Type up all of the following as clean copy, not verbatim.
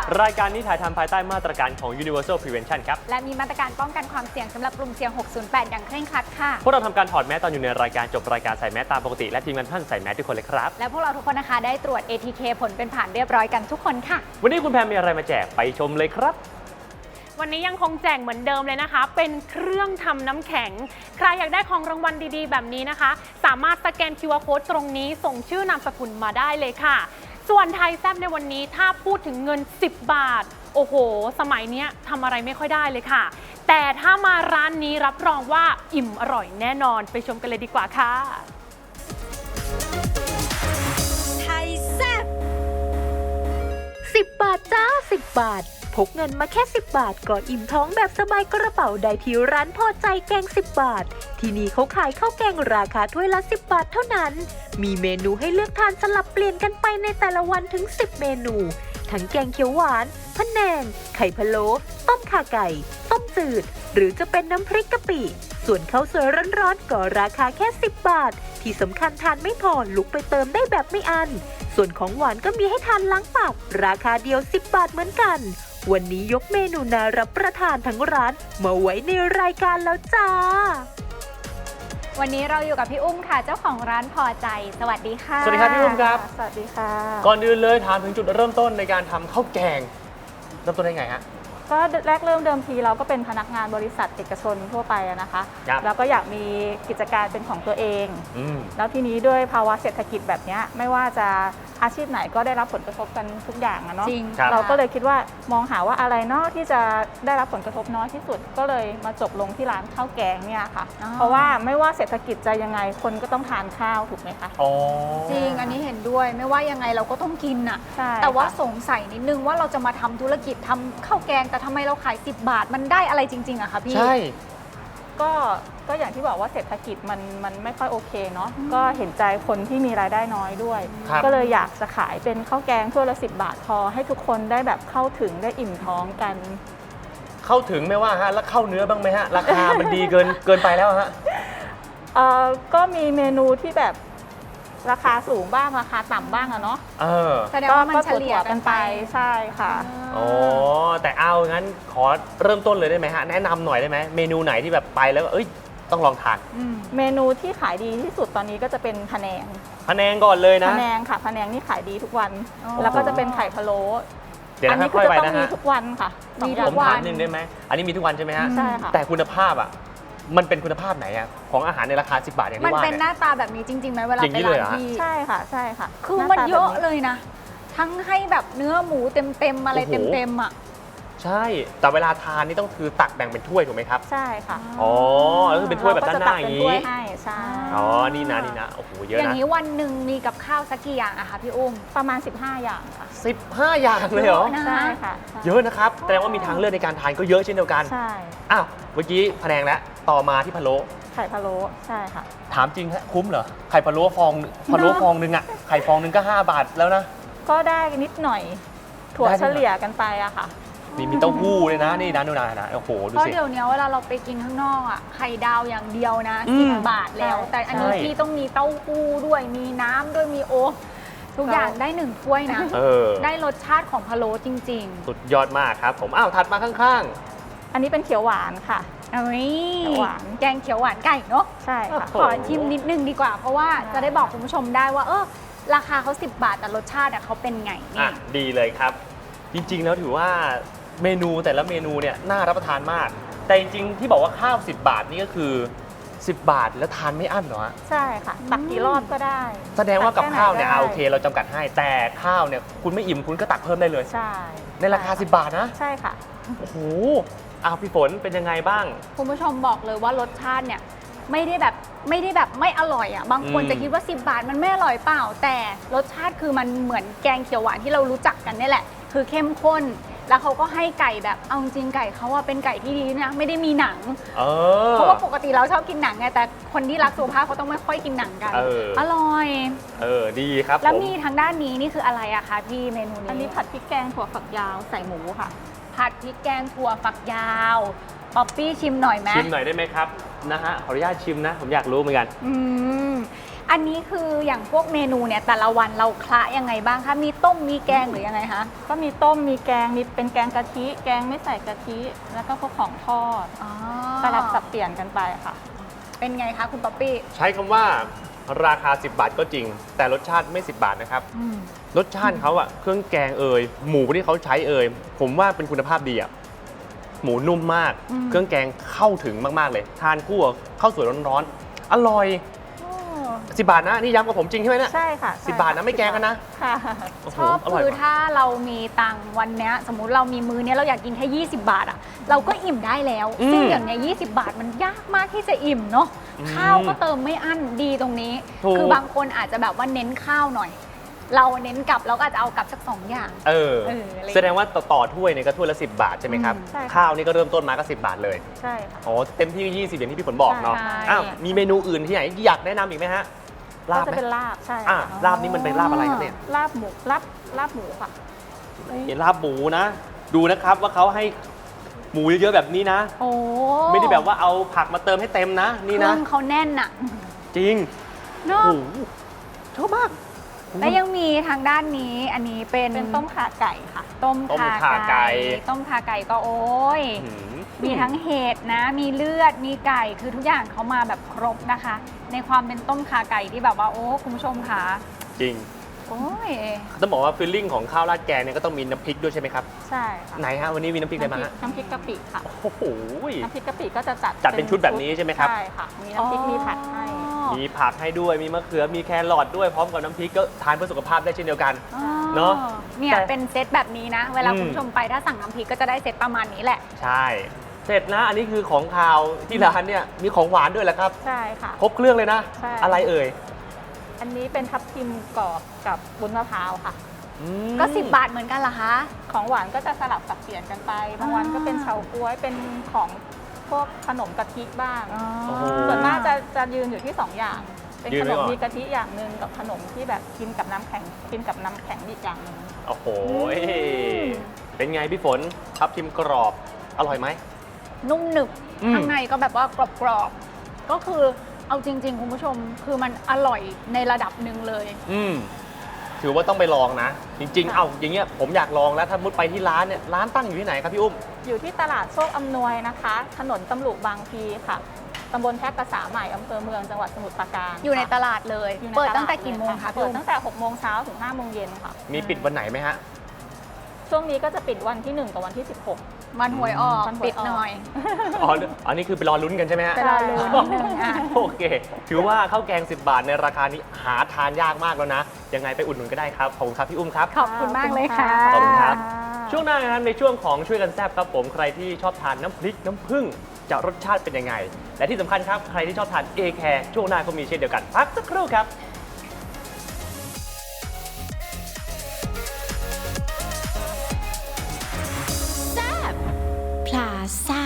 รายการนี้ถ่ายทำภายใต้มาตรการของ Universal Prevention ครับและมีมาตรการป้องกันความเสี่ยงสำหรับกลุ่มเสี่ยง 608 อย่างเคร่งครัดค่ะพวกเราทำการถอดแมสตอนอยู่ในรายการจบรายการใส่แมสตามปกติและทีมงานท่านใส่แมสทุกคนเลยครับและพวกเราทุกคนนะคะได้ตรวจ ATK ผลเป็นผ่านเรียบร้อยกันทุกคนค่ะวันนี้คุณแพมมีอะไรมาแจกไปชมเลยครับวันนี้ยังคงแจกเหมือนเดิมเลยนะคะเป็นเครื่องทำน้ำแข็งใครอยากได้ของรางวัลดีๆแบบนี้นะคะสามารถสแกน QR Code ตรงนี้ส่งชื่อนามสกุลมาได้เลยค่ะส่วนไทยแซ่บในวันนี้ถ้าพูดถึงเงิน10 บาทโอ้โหสมัยนี้ทำอะไรไม่ค่อยได้เลยค่ะแต่ถ้ามาร้านนี้รับรองว่าอิ่มอร่อยแน่นอนไปชมกันเลยดีกว่าค่ะไทยแซ่บ 10 บาทจ้า10 บาทพกเงินมาแค่10 บาทก็อิ่มท้องแบบสบายกระเป๋าได้ที่ร้านพอใจแกง10 บาทที่นี่เขาขายข้าวแกงราคาถ้วยละ10 บาทเท่านั้นมีเมนูให้เลือกทานสลับเปลี่ยนกันไปในแต่ละวันถึง10 เมนูทั้งแกงเขียวหวานพะแนงไข่พะโล้ต้มข่าไก่ต้มจืดหรือจะเป็นน้ำพริกกะปิส่วนข้าวสวยร้อนๆก็ราคาแค่10 บาทที่สำคัญทานไม่พอลุกไปเติมได้แบบไม่อั้นส่วนของหวานก็มีให้ทานล้างปากราคาเดียว10 บาทเหมือนกันวันนี้ยกเมนูน่ารับประทานทั้งร้านมาไว้ในรายการแล้วจ้าวันนี้เราอยู่กับพี่อุ้มค่ะเจ้าของร้านพอใจสวัสดีค่ะสวัสดีครับพี่อุ้มครับสวัสดีค่ะก่อนอื่นเลยถามถึงจุดเริ่มต้นในการทำข้าวแกงเริ่มต้นได้ไงฮะก็แรกเริ่มเดิมทีเราก็เป็นพนักงานบริษัทเอกชนทั่วไปนะคะแล้วก็อยากมีกิจการเป็นของตัวเองแล้วทีนี้ด้วยภาวะเศรษฐกิจแบบนี้ไม่ว่าจะอาชีพไหนก็ได้รับผลกระทบกันทุกอย่างเนาะเราก็เลยคิดว่ามองหาว่าอะไรเนาะที่จะได้รับผลกระทบน้อยที่สุดก็เลยมาจบลงที่ร้านข้าวแกงเนี่ยค่ะเพราะว่าไม่ว่าเศรษฐกิจจะยังไงคนก็ต้องทานข้าวถูกไหมคะจริงอันนี้เห็นด้วยไม่ว่ายังไงเราก็ต้องกินน่ะใช่แต่ว่าสงสัยนิดนึงว่าเราจะมาทำธุรกิจทำข้าวแกงแต่ทำไมเราขาย10 บาทมันได้อะไรจริงๆอะคะพี่ใช่ก็อย่างที่บอกว่าเศรษฐกิจมันไม่ค่อยโอเคเนาะก็เห็นใจคนที่มีรายได้น้อยด้วยก็เลยอยากจะขายเป็นข้าวแกงถ้วยละ10 บาทพอให้ทุกคนได้แบบเข้าถึงได้อิ่มท้องกันเข้าถึงไม่ว่าฮะแล้วเข้าเนื้อบ้างไหมฮะราคามันดีเกินไปแล้วฮะก็มีเมนูที่แบบราคาสูงบ้างราคาต่ำบ้างอะเนาะแสดงว่ามันเฉลี่ยกันไปใช่ค่ะอ๋อแต่เอางั้นขอเริ่มต้นเลยได้ไหมฮะแนะนำหน่อยได้ไหมเมนูไหนที่แบบไปแล้วเอ้ยต้องลองทานเมนูที่ขายดีที่สุดตอนนี้ก็จะเป็นพะแนงก่อนเลยนะพะแนงค่ะพะแนงนี่ขายดีทุกวันแล้วก็จะเป็นไข่พะโล้อันนี้คือจะต้องมีทุกวันค่ะมีทุกวันนึงได้ไหมอันนี้มีทุกวันใช่ไหมฮะใช่ค่ะแต่คุณภาพอ่ะมันเป็นคุณภาพไหนอะของอาหารในราคา10 บาทอย่างที่ว่ามันเป็นหน้าตาแบบนี้จริงๆไหมเวลาไปร้านที่ใช่ค่ะใช่ค่ะคือมันเยอะเลยนะทั้งให้แบบเนื้อหมูเต็มอะไรเต็มๆอะใช่แต่เวลาทานนี่ต้องคือตักแบ่งเป็นถ้วยถูกไหมครับใช่ค่ะอ๋อแล้วคือเป็นถ้วยแบบด้านหน้าอย่างนี้ใช่อ๋อนี่นะโอ้โหเยอะนะอย่างนี้วันหนึ่งมีกับข้าวสักกี่อย่างอะคะพี่อุ้มประมาณ15 อย่างค่ะ 15 อย่างเลยเหรอใช่ค่ะเยอะนะครับแสดงว่ามีทางเลือกในการทานก็เยอะเช่นเดียวกันใช่อ้าวเมื่อกี้พะแนงแล้วต่อมาที่พะโล้ไข่พะโล้ใช่ค่ะถามจริงฮะคุ้มเหรอไข่พะโล้ฟองนึงอะไข่ฟองนึงก็5 บาทแล้วนะก็ได้นิดหน่อยถั่วเฉลี่ยกันไปอะค่ะมีเต้าหู้เลยนะนี่นะดูนะโอ้โหดูสิเพราะเดี๋ยวนี้เวลาเราไปกินข้างนอกอ่ะไข่ดาวอย่างเดียวนะ10 บาทแล้วแต่อันนี้พี่ต้องมีเต้าหู้ด้วยมีน้ำด้วยมีทุกอย่างได้1 ถ้วยนะได้รสชาติของพะโล้จริงๆสุดยอดมากครับผมอ้าวถัดมาข้างๆอันนี้เป็นเขียวหวานค่ะเขียวหวานแกงเขียวหวานไก่เนาะใช่ค่ะขอชิมนิดนึงดีกว่าเพราะว่าจะได้บอกคุณผู้ชมได้ว่าราคาเขา10 บาทแต่รสชาติเขาเป็นไงนี่ดีเลยครับจริงๆแล้วถือว่าเมนูแต่ละเมนูเนี่ยน่ารับประทานมากแต่จริงๆที่บอกว่าข้าว10 บาทนี่ก็คือ10 บาทแล้วทานไม่อั้นเหรอใช่ค่ะตักกี่รอบก็ได้แสดงว่ากับข้าวเนี่ยโอเคเราจำกัดให้แต่ข้าวเนี่ยคุณไม่อิ่มคุณก็ตักเพิ่มได้เลยใช่ในราคา10 บาทนะใช่ค่ะโอ้โหพี่ฝนเป็นยังไงบ้างคุณผู้ชมบอกเลยว่ารสชาติเนี่ยไม่ได้แบบไม่อร่อยอ่ะบางคนจะคิดว่า10 บาทมันไม่อร่อยเปล่าแต่รสชาติคือมันเหมือนแกงเขียวหวานที่เรารู้จักกันนี่แหละคือเข้มข้นแล้วเขาก็ให้ไก่แบบเอาจริงไก่เขาว่าเป็นไก่ที่ดีนะไม่ได้มีหนังเพราะว่าปกติเราชอบกินหนังไงแต่คนที่รักสุขภาพเขาต้องไม่ค่อยกินหนังกันอร่อยดีครับแล้วมีทางด้านนี้นี่คืออะไรอะคะพี่เมนูนี้อันนี้ผัดพริกแกงถั่วฝักยาวใส่หมูค่ะผัดพริกแกงถั่วฝักยาวป๊อปปี้ชิมหน่อยไหมชิมหน่อยได้ไหมครับนะฮะขออนุญาตชิมนะผมอยากรู้เหมือนกันอันนี้คืออย่างพวกเมนูเนี่ยแต่ละวันเราคละยังไงบ้างคะมีต้มมีแกงหรือยังไงคะก็มีต้มมีแกงมีเป็นแกงกะทิ แกงไม่ใส่กะทิ แล้วก็พวกของทอดอ๋อสลับสับเปลี่ยนกันไปค่ะเป็นไงคะคุณป๊อปปี้ใช้คำว่าราคา 10 บาทก็จริง แต่รสชาติไม่ 10 บาทนะครับอืมรสชาติเขาอะเครื่องแกงหมูที่เขาใช้ผมว่าเป็นคุณภาพดีอะหมูนุ่มมาก เครื่องแกงเข้าถึงมากๆเลย ทานคู่กับข้าวสวยร้อนๆอร่อย 10 บาทนะนี่ย้ำกับผมจริงใช่ไหมเนี่ยใช่ค่ะ 10 บาทนะไม่แกงกันนะค่ะโอ้โหชอบอร่อยคือมากถ้าเรามีตังค์วันเนี้ยสมมุติเรามีมื้อเนี้ยเราอยากกินแค่ 20 บาทอ่ะเราก็อิ่มได้แล้ว ซึ่งอย่างเนี้ย20 บาทมันยากมากที่จะอิ่มเนาะข้าวก็เติมไม่อั้นดีตรงนี้ถูกคือบางคนอาจจะแบบว่าเน้นข้าวหน่อย เราเน้นกลับเราก็อาจจะเอากลับสัก2อย่าง อะไรแสดงว่าต่อถ้วยเนี่ยก็ถ้วยละ 10 บาทใช่ไหมครับใช่ค่ะข้าวนี่ก็เริ่มต้นมาก็ 10 บาทเลยใช่ค่ะอ๋อเต็มที่ 20 อย่างที่พี่ฝนบอกเนาะใช่อ้าวมีเมนูอื่นที่ไหนที่อยากแนะนำอีกไหมฮะลาบก็จะไหมเป็นลาบใช่อ่ะค่ะลาบนี่มันเป็นลาบอะไรครับเนี่ยลาบหมูลาบหมูค่ะลาบหมูนะ ดูนะครับว่าเขาให้หมูเยอะๆแบบนี้นะโอ้ไม่ได้แบบว่าเอาผักมาเติมให้เต็มนะ นี่เครื่นะองเขาแน่นอะจริงเนาะโอ้โหชอบมากและยังมีทางด้านนี้อันนี้เป็นเป็นต้มข่าไก่ค่ะต้มต้มขาข่าไก่ไก่ต้มขาไก่ก็โอ้ยอื้อหือมีทั้งเห็ดนะ มีเลือด มีไก่ คือทุกอย่างเขามาแบบครบนะคะ ในความเป็นต้มขาไก่ที่แบบว่าโอ้คุณผู้ชมค่ะจริงโอ้ยต้องบอกว่าฟีลลิ่งของข้าวราดแกงเนี่ยก็ต้องมีน้ำพริกด้วยใช่ไหมครับใช่ค่ะไหนฮะวันนี้มีน้ำพริกอะไรมาฮะน้ำพริกกะปิค่ะโอ้โหน้ำพริกกะปิก็จะจัดจัดเป็นชุดแบบนี้ใช่ไหมครับใช่ค่ะ มีน้ำพริกมีผัดให้มีผักให้ด้วย มีมะเขือ มีแครอทด้วย พร้อมกับน้ำพริกก็ทานเพื่อสุขภาพได้เช่นเดียวกันอ๋อเนอะเนี่ยแต่เป็นเซตแบบนี้นะ เวลาอืมคุณผู้ชมไปถ้าสั่งน้ำพริกก็จะได้เซตประมาณนี้แหละใช่ เสร็จนะ อันนี้คือของคาวที่ร้านเนี่ยมีของหวานด้วยแหละครับใช่ค่ะครบเครื่องเลยนะใช่อะไรเอ่ยอันนี้เป็นทับทิมกรอบกับวุ้นมะพร้าวค่ะอืมก็ 10 บาทเหมือนกันเหรอคะของหวานก็จะสลับสับเปลี่ยนกันไป บางวันก็เป็นเฉาก๊วย เป็นของพวกขนมกะทิบ้างโอ้โหส่วนมากจะยืนอยู่ที่ 2 อย่าง เป็นยืนขไว้นมก่อนมีกะทิอย่างหนึ่งกับขนมที่แบบกินกับน้ำแข็งอีกอย่างหนึ่งโอ้โห เป็นไงพี่ฝนทับทิมกรอบ อร่อยไหมนุ่มหนึบอืมข้างในก็แบบว่ากรอบๆ ก็คือเอาจริง ๆ คุณผู้ชม คือมันอร่อยในระดับหนึ่งเลยถือว่าต้องไปลองนะ จริง ๆ เอาอย่างเงี้ยผมอยากลองแล้วถ้ามุดไปที่ร้านเนี่ยร้านตั้งอยู่ที่ไหนครับพี่อุ้มอยู่ที่ตลาดโชคอำนวยนะคะ ถนนตำลุบางพลีค่ะตำบลแพรกษาใหม่อำเภอเมืองจังหวัดสมุทรปราการอยู่ในตลาดเลยอยู่ในเปิดลาตั้งแต่กี่โมงคะพี่เปิดอุ้มตั้งแต่6โมงเช้าถึง5โมงเย็นค่ะมีปิดวันไหนไหมฮะช่วงนี้ก็จะปิดวันที่ 1 กับวันที่ 16 มันหวยออกมันหวยออกปิดหน่อยอ๋ออันนี้คือไปรอลุ้นกันใช่ไหมฮะไปรอลุ้นนิดนึงอ่ะโอเค ถือว่าข้าวแกง 10 บาทในราคานี้หาทานยากมากแล้วนะ ยังไงไปอุดหนุนก็ได้ครับ ขอบคุณครับพี่อุ้มครับขอบคุณมากเลยค่ะขอบคุณครับ ช่วงหน้านะครับในช่วงของช่วยกันแซบครับผมใครที่ชอบทานน้ำพริกน้ำผึ้งจะรสชาติเป็นยังไง และที่สำคัญครับใครที่ชอบทานเอแคร์ช่วงหน้าก็มีเช่นเดียวกันพักสักครู่ครับพลาซ่า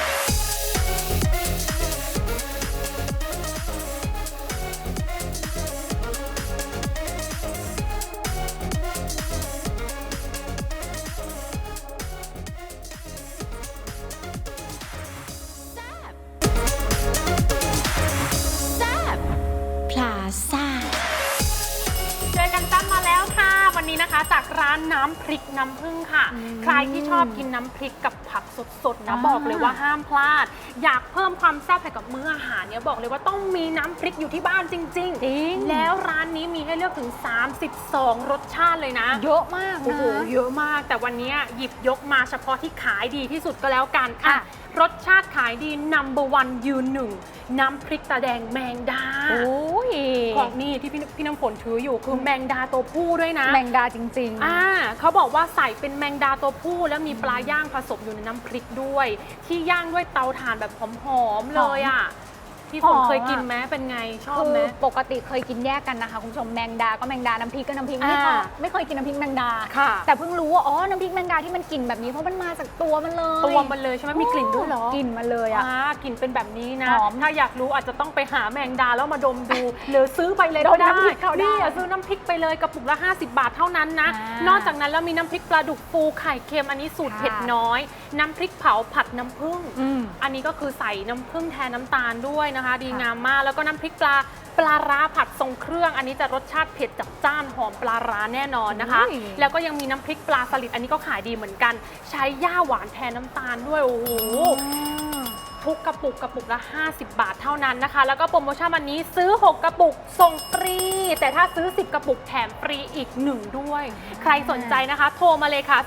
พลาซ่าเจอกันตั้มมาแล้วค่ะ วันนี้นะคะจากร้านน้ำพริกน้ำผึ้งค่ะ ใครที่ชอบกินน้ำพริกกับผักสดๆนะบอกเลยว่าห้ามพลาด อยากเพิ่มความแซ่บให้กับมื้ออาหารเนี่ยบอกเลยว่าต้องมีน้ำพริกอยู่ที่บ้านจริงจริงแล้วร้านนี้มีให้เลือกถึง 32 รสชาติเลยนะเยอะมากโอ้นะโหเยอะมากแต่วันนี้หยิบยกมาเฉพาะที่ขายดีที่สุดก็แล้วกันค่ะรสชาติขายดี No.1 ยืนหนึ่งน้ำพริกตาแดงแมงดาโอ้ยของนี่ที่พี่น้ำฝนถืออยู่คือแมงดาตัวผู้ด้วยนะแมงดาจริงๆเขาบอกว่าใส่เป็นแมงดาตัวผู้แล้วมีปลาย่างผสมอยู่ในน้ำพริกด้วย ที่ย่างด้วยเตาถ่านแบบหอมๆเลยอ่ะพี่ฝนหอมอะเคยกินไหมเป็นไงชอบคืไหมอปกติเคยกินแยกกันนะคะคุณผู้ชมแมงดาก็แมงดาน้ำพริกก็น้ำพริกไม่เคยกินน้ำพริกแมงดาค่ะแต่เพิ่งรู้ว่าอ๋อน้ำพริกแมงดาที่มันกลิ่นแบบนี้เพราะมันมาจากตัวมันเลยตัวมันเลยใช่ไหมมีกลิ่นด้วยเหรอกลิ่นมันเลยอ่ะกลิ่นเป็นแบบนี้นะหอมถ้าอยากรู้อาจจะต้องไปหาแมงดาแล้วมาดมดู หรือซื้อไปเลยดก็มได้น้ำพริกเขาได้นี่ซื้อน้ำพริกไปเลยกระปุกละ50 บาทเท่านั้นนะอ่านอกจากนั้นแล้วมีน้ำพริกปลาดุกฟูไข่เค็มอันนี้สูตรค่ะเผ็ดน้อย น้ำพริกเผาผัดน้ำผึ้งอืมอันนี้ก็คือใส่น้ำผึ้งแทนน้ำตาลด้วยนะคะ ดีค่ะงามมากแล้วก็น้ำพริกปลาปลาร้าผัดทรงเครื่องอันนี้จะรสชาติเผ็ดจัดจ้านหอมปลาร้าแน่นอนนะคะ แล้วก็ยังมีน้ำพริกปลาสลิดอันนี้ก็ขายดีเหมือนกัน ใช้ย่าหวานแทนน้ำตาลด้วยโอ้โหทุกกระปุกละ50 บาทเท่านั้นนะคะ แล้วก็โปรโมชั่นวันนี้ซื้อ 6 กระปุกส่งฟรี แต่ถ้าซื้อ 10 กระปุกแถมฟรีอีก 1 ด้วย ใครสนใจนะคะ โทรมาเลยค่ะ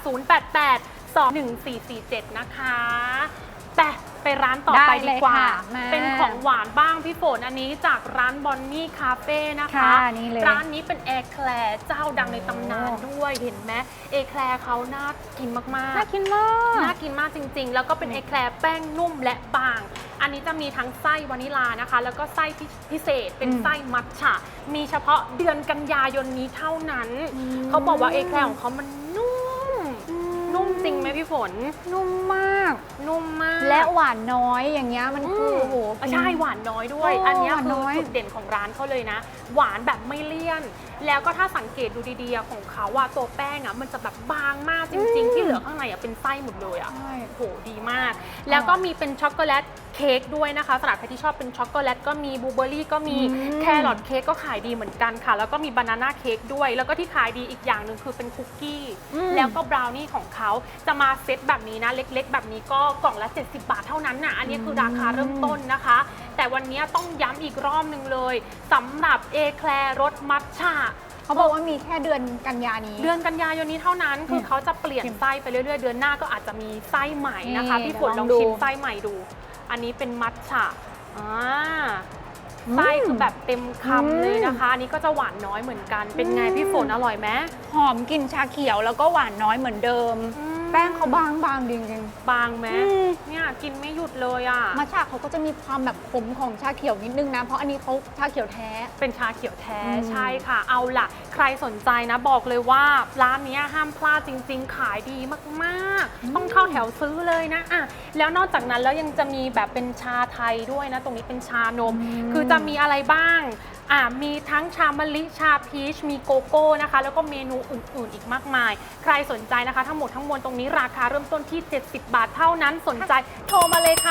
088-21447 นะคะแต่ไปร้านต่อไปดีกว่า เป็นของหวานบ้างพี่ฝนอันนี้จากร้านบอนนี่คาเฟ่นะคะนี่เลยร้านนี้เป็นแอร์แคลร์เจ้าดังในตำนานด้วยเห็นไหมเอแคลร์เขาน่ากินมากๆน่ากินมากน่ากินมากจริงๆ แล้วก็เป็นเอแคลร์แป้งนุ่มและบาง อันนี้จะมีทั้งไส้วานิลานะคะ แล้วก็ไส้พิเศษเป็นไส้มัทฉะมีเฉพาะเดือนกันยายนนี้เท่านั้น เขาบอกว่าเอแคลร์ของเขามันนุ่มจริงไหมพี่ฝนนุ่มมากนุ่มมากและหวานน้อยอย่างเงี้ยมันคือโอ้โหใช่หวานน้อยด้วยโอ้อันเนี้ยหวานคืน้ออยจุดเด่นของร้านเขาเลยนะ หวานแบบไม่เลี่ยน แล้วก็ถ้าสังเกตดูดีๆของเขาอะตัวแป้งอะมันจะแบบบางมากจริง ๆ ที่เหลือข้างในอะเป็นไส้หมดเลยอะใช่โหดีมาก แล้วก็มีเป็นช็อกโกแลตเค้กด้วยนะคะสำหรับใครที่ชอบเป็นช็อกโกแลตก็มีบลูเบอร์รี่ก็มีแครอทเค้กก็ขายดีเหมือนกันค่ะ แล้วก็มีบานาน่าเค้กด้วย แล้วก็ที่ขายดีอีกอย่างหนึ่งคือเป็นคุกกี้แล้วก็บราวนี่ของเขาจะมาเซตแบบนี้นะเล็กๆ แบบนี้ก็กล่องละ70 บาทเท่านั้นนะอันนี้คือราคาเริ่มต้นนะคะ แต่วันนี้ต้องย้ำอีกรอบหนึ่งเลยสำหรับเอแคลร์รสมัทฉะเขาบอกว่ามีแค่เดือนกันยานี้เดือนกันยายนนี้เท่านั้นคือเขาจะเปลี่ยนไส้ไปเรื่อยๆ เดือนหน้าก็อาจจะมีไส้ใหม่นะคะนี่พี่ฝนลองลองดูชิมไส้ใหม่ดู อันนี้เป็นมัทฉะไส้คือแบบเต็มคำเลยนะคะ อันนี้ก็จะหวานน้อยเหมือนกัน เป็นไงพี่ฝนอร่อยไหมหอมกลิ่นชาเขียวแล้วก็หวานน้อยเหมือนเดิม แป้งเขาบางจริงบางไหมเนี่ยกินไม่หยุดเลยอ่ะๆมัทฉะเขาก็จะมีความแบบขมของชาเขียวนิดนึงนะ เพราะอันนี้เขาชาเขียวแท้เป็นชาเขียวแท้ใช่ค่ะ เอาล่ะ ใครสนใจนะบอกเลยว่าร้านนี้ห้ามพลาดจริง ๆ ขายดีมากๆ ต้องเข้าแถวซื้อเลยนะอ่ะแล้วนอกจากนั้นแล้วยังจะมีแบบเป็นชาไทยด้วยนะ ตรงนี้เป็นชานม คือจะมีอะไรบ้างมีทั้งชามะลิชาพีชมีโกโก้นะคะ แล้วก็เมนูอื่นๆอีกมากมาย ใครสนใจนะคะ ทั้งหมดทั้งมวลตรงนี้ราคาเริ่มต้นที่70 บาทเท่านั้นสนใจโทรมาเลยค่ะ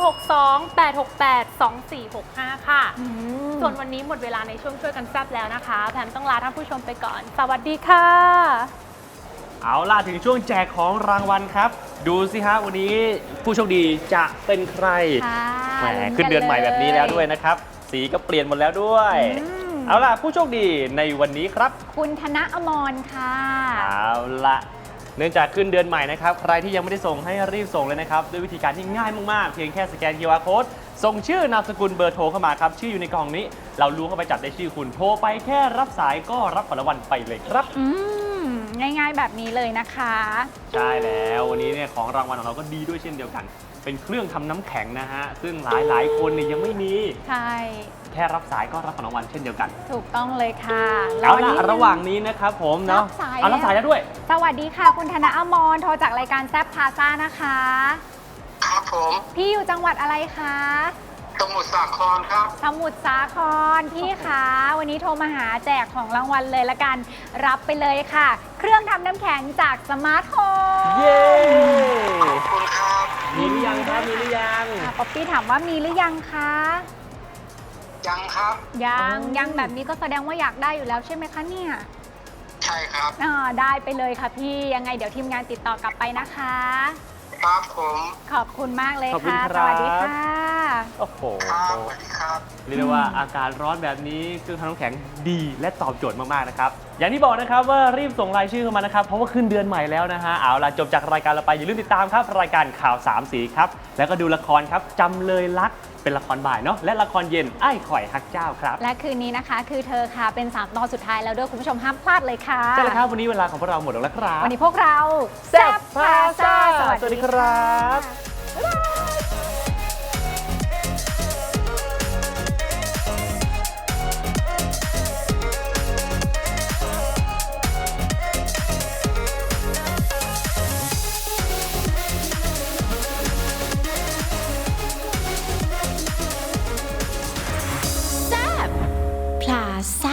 062-868-2465 ค่ะ ส่วนวันนี้หมดเวลาในช่วงช่วยกันแซ่บแล้วนะคะแพมต้องลาท่านผู้ชมไปก่อน สวัสดีค่ะเอาล่ะถึงช่วงแจกของรางวัลครับ ดูสิฮะวันนี้ผู้โชคดีจะเป็นใครค่ะแหมขึ้นเดือนใหม่แบบนี้แล้วด้วยนะครับ สีก็เปลี่ยนหมดแล้วด้วย เอาล่ะผู้โชคดีในวันนี้ครับคุณธนอมรค่ะเอาล่ะเนื่องจากขึ้นเดือนใหม่นะครับใครที่ยังไม่ได้ส่งให้รีบส่งเลยนะครับด้วยวิธีการที่ง่ายมากๆเพียงแค่สแกน QR code ส่งชื่อนามสกุลเบอร์โทรเข้ามาครับชื่ออยู่ในกล่องนี้เราล้วงเข้าไปจับได้ชื่อคุณโทรไปแค่รับสายก็รับของรางวัลไปเลยครับง่ายๆแบบนี้เลยนะคะใช่แล้ววันนี้เนี่ยของรางวัลของเราก็ดีด้วยเช่นเดียวกัน เป็นเครื่องทำน้ำแข็งนะฮะซึ่งหลายคนเนี่ยยังไม่มีใช่แค่รับสายก็รับของรางวัลเช่นเดียวกันถูกต้องเลยค่ะเอาล่ะนี้ระหว่างนี้นะครับผมเนาะรับสายเอารับสายแล้วด้วยสวัสดีค่ะ คุณธนอมรโทรจากรายการแซบพาซ่านะคะครับผมพี่อยู่จังหวัดอะไรคะสมุทรสาครครับสมุทรสาครพี่คะวันนี้โทรมาหาแจกของรางวัลเลยละกันรับไปเลยค่ะ เครื่องทำน้ำแข็งจากสมาร์ทโฮมเย้ขอบคุณครับมีหรือยังครับมีหรือยังป๊อปปี้ถามว่ามีหรือยังคะยังครับยังแบบนี้ก็แสดงว่าอยากได้อยู่แล้วใช่ไหมคะเนี่ยใช่ครับได้ไปเลยค่ะพี่ยังไงเดี๋ยวทีมงานติดต่อกลับไปนะคะครับผมขอบคุณมากเลยขอบคุณค่ะคสรับวัสดีค่ะโอ้โหครับสวัสดีครับเรียกได้ว่าอากาศร้อนแบบนี้เครื่องทำน้ำแข็งดีและตอบโจทย์มากๆนะครับอย่างที่บอกนะครับว่ารีบส่งรายชื่อเข้ามานะครับเพราะว่าขึ้นเดือนใหม่แล้วนะฮะเอาล่ะจบจากรายการเราไปอย่าลืมติดตามครับรายการข่าว3สีครับแล้วก็ดูละครครับจำเลยรักเป็นละครบ่ายเนาะและละครเย็นไอ้ข่อยฮักเจ้าครับและคืนนี้นะคะคือเธอค่ะเป็น3ตอนสุดท้ายแล้วด้วยคุณผู้ชมห้ามพลาดเลยค่ะใช่แล้วครับวันนี้เวลาของพวกเราหมดแล้วครับวันนี้พวกเราแซ่บพาซ่าสวัสดีครับพลาซ่า